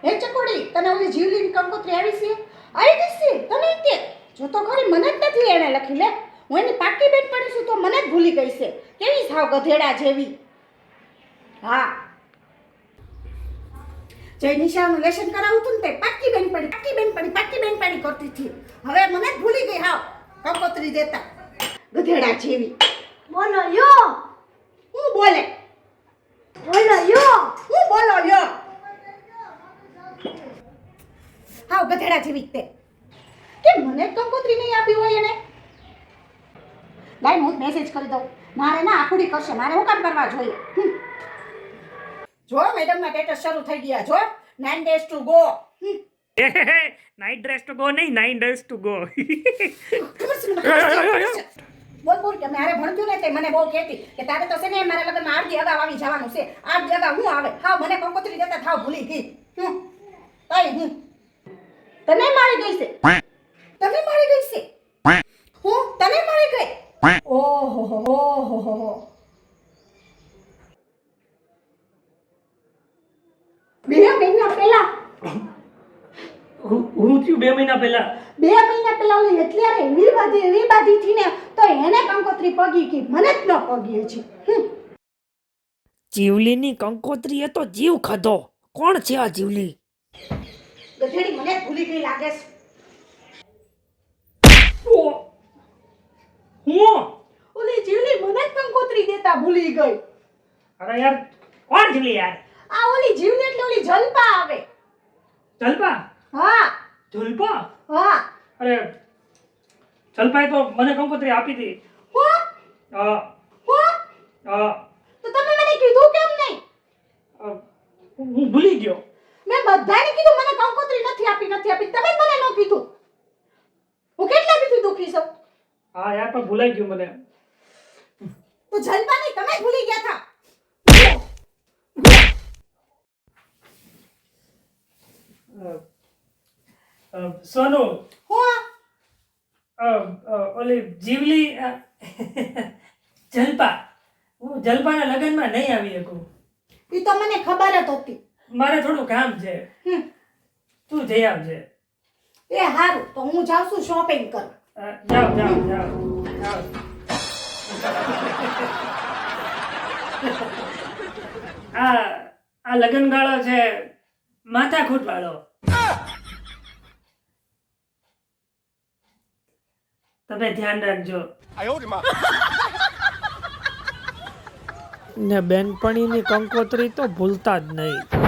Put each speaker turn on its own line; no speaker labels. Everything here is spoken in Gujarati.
હે ચકોડી, તને ઓલી જીવલીની કંકોત્રી આવી છે? આવી ગઈ છે તને તે? જો તો ખરી, મને જ નથી એણે લખી. લે, હું એની પાકી બેન પડી છું તો મને જ ભૂલી ગઈ છે. કેવી સાવ ગધેડા જેવી. હા, જે નિશાનું લેશન કરાવું હતું ને તે પાકી બેન પડી કરતી હતી. હવે મને જ ભૂલી ગઈ. હાવ કંકોત્રી દેતા ગધેડા જેવી.
બોલો યો,
હું બોલે?
બોલો યો.
હું બોલો લ્યો? હાવ ગધેડા જેવી તે. કે મને જ કંકોત્રી નહીં આપી હોય એને? લાઈ હું મેસેજ કરી દઉં. મારે ના આખુડી કરશે, મારે હું કામ કરવા જોઈએ? જો મેડમના સ્ટેટસ શરૂ થઈ ગયા. જો 9 days to go.
Night dress to go નહીં, 9 days to go.
બોલ બોલ કે મારે ભણતું ને તે મને બહુ કહેતી કે તારે તો છે ને મારા લગ્નમાં 8 દી અગાઉ આવી જવાનું છે. 8 દી અગાઉ હું આવે? હાવ મને કંકોત્રી દેતા થાવ ભૂલી ગઈ. તઈ હું તને મારી ગઈ છે. તને મારી ગઈ છે. હું તને મારી ગઈ. ઓહો. બે મહિના પહેલા
હું થયું 2 મહિના પહેલા?
2 મહિના પહેલા ઓલી અત્યારે એવી બાધી થી ને તો એને કંકોત્રી પગી ગઈ, મને જ ન પગી હજી.
જીવલીની કંકોત્રી એ તો જીવ ખાધો. કોણ છે આ જીવલી?
ગધેડી મને જ ભૂલી ગઈ લાગે છે.
હું
ઓલી જીવલી મને જ કંકોત્રી દેતા ભૂલી ગઈ.
અરે યાર, કોણ જીવલી યાર?
આ ઓલી જીવલી એટલે ઓલી જલપા આવે.
જલપા?
હા
જલપા?
હા.
અરે જલપાએ તો મને કંકોત્રી આપી હતી.
હો તો તમે મને કીધું કેમ નહીં?
હું ભૂલી ગયો.
મેં બધાને કીધું મને કંકોત્રી નથી આપી. તમે જ મને ન કીધું. હું કેટલા દીથી દુખી છું.
હા યાર, પણ ભૂલાઈ ગયું મને.
તો જલપા નહીં, તમે જ ભૂલી ગયા હતા.
સોનુ,
હો
ઓલી જીવલી જલપા, હું જલપાના લગ્નમાં નહીં આવી શકું.
ઈ તો મને ખબર જ હતી.
મારે થોડું કામ છે. તું જઈ આવજે.
એ હારું, તો હું જાઉં છું શોપિંગ કરવા.
જાઓ. આ લગનગાળો છે માથાકૂટ વાળો. તમે ધ્યાન રાખજો. ને બેનપણીની કંકોત્રી તો ભૂલતા જ નહીં.